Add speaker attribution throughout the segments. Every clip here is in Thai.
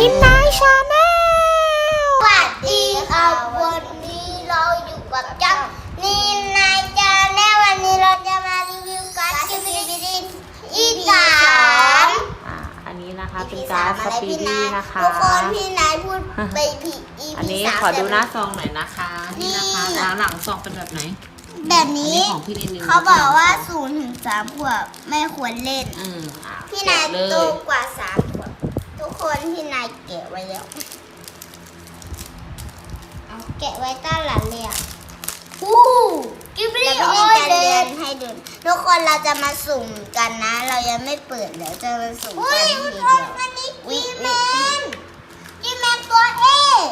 Speaker 1: นินนายชาแนล
Speaker 2: สวัสดีค่ะวันนี้เราอยู่กับจังนินนายชาแนลวันนี้เราจะมารีวิวการ์ดสปีดี้EP3
Speaker 1: อันนี้นะคะเป็นการ์ดสปีดี้นะคะ
Speaker 2: ทุกคนพี่นายพูดไปผิด EP3
Speaker 1: อันนี้ขอดูหน้าซองหน่อยนะคะนี่นะคะหลังซองเป็นแบบไหน
Speaker 2: แบบนี้
Speaker 1: ของพี่นิน
Speaker 2: เขาบอกว่า0 ถึง 3 ขวบไม่ควรเล่นพี่นายโตกว่า3 ขวบทุกคนพี่นายแกะไว้แล้วเอาแกะไว้ต้านหลังเลยกิบลี่ออยเล่นให้ดูทุกคนเราจะมาสุ่มกันนะเรายังไม่เปิดเดี๋ยวจะมาสุ่มกันทีเดียวอันนี้จีแมนตัวเอ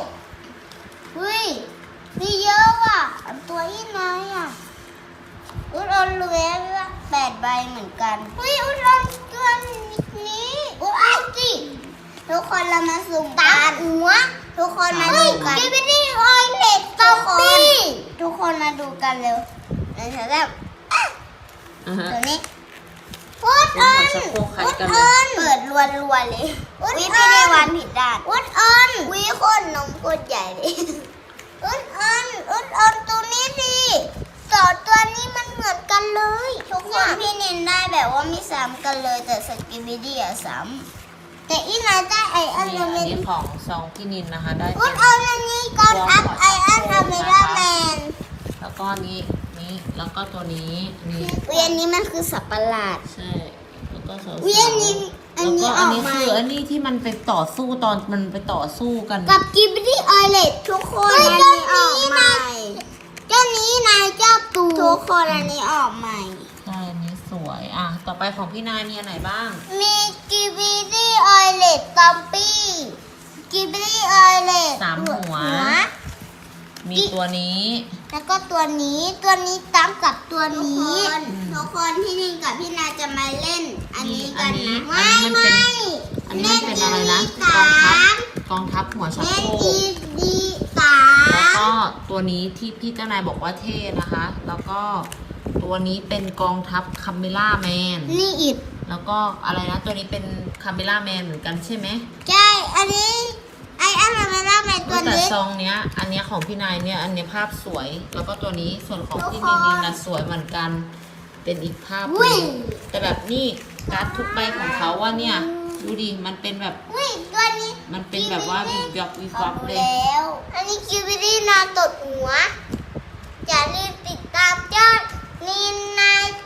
Speaker 2: มีเยอะว่ะตัวอีน้อยอ่ะอุดรรวย8 ใบเหมือนกันอุดรตัวนี้จิทุกคนเรามาสุ่มกันทุกคนมาดูกันกิบลี่ออยเล็กทุกคนมาดูกันเร็วแล้วตัวนี้อุดออนเปิดรัวๆเลยวิไม่ได้วันผิดด้านอุดออนวิคนนมโคตรใหญ่เลยอุดออนตัวนี้ดีตัวนี้มันเหมือนกันเลยทุกคนพี่นินได้แบบว่าไม่ซ้ำกันเลยแต่สกิบิดี้อะซ้ำแต่อีนาได้ไออัน
Speaker 1: นี้ของซองพี่นินนะคะได้
Speaker 2: อุดออนอันนี้ก่อนอัพไออันอเมร่าแมน
Speaker 1: แล้วก็นี้แล้วก็ตัวนี้นี่
Speaker 2: อันนี้มันคือสับประหลาด
Speaker 1: ใช่แล้วก็
Speaker 2: อันนี้
Speaker 1: อันนี้คืออันนี้ที่มันไปต่อสู้ตอนมันไปต่อสู้กัน
Speaker 2: กับกิบลี่ออยเลตทุกคนอันนี้ออกใหม่เจ้านี้นายเจ้าตูทุกคนอันนี้ออกใหม่
Speaker 1: ใช่อันนี้สวยต่อไปของพี่นายมีอันไหนบ้าง
Speaker 2: มีกิบลี่ออยเลตซอมบี้กิบลี่ออยเลต
Speaker 1: 3 หัวมีตัวนี้
Speaker 2: แล้วก็ตัวนี้ตั้งกับตัวนี้ทุกคนพี่นินกับพี่นายจะมาเล่นอันนี้กันนะ
Speaker 1: อันนี้มันเป็นอะไรนะกองทัพหัวชักโครกแล้วก็ตัวนี้ที่พี่เจ้านายบอกว่าเท่นะคะแล้วก็ตัวนี้เป็นกองทัพคาเมล่าแมน
Speaker 2: นี่อีก
Speaker 1: แล้วก็อะไรนะตัวนี้เป็นคาเมล่าแมนเหมือนกันใช่ไหม
Speaker 2: ใช่อันนี้ไออันคาเมล่าแมนตัวนี้
Speaker 1: แต่ซองเนี้ยอันเนี้ยของพี่นายเนี่ยอันเนี้ยภาพสวยแล้วก็ตัวนี้ส่วนของพี่นินนะสวยเหมือนกันเป็นอีกภาพนึงแต่แบบนี่การ์ดทุกใบของเขาว่าเนี่ยดูดิมันเป็นแบบ
Speaker 2: ตัวนี้
Speaker 1: มันเป็นแบบว่าวิบวับเลย
Speaker 2: แล้วอันนี้คิวบิลี่นอนตดหัวอย่าลืมติดตามเจ้านินนาย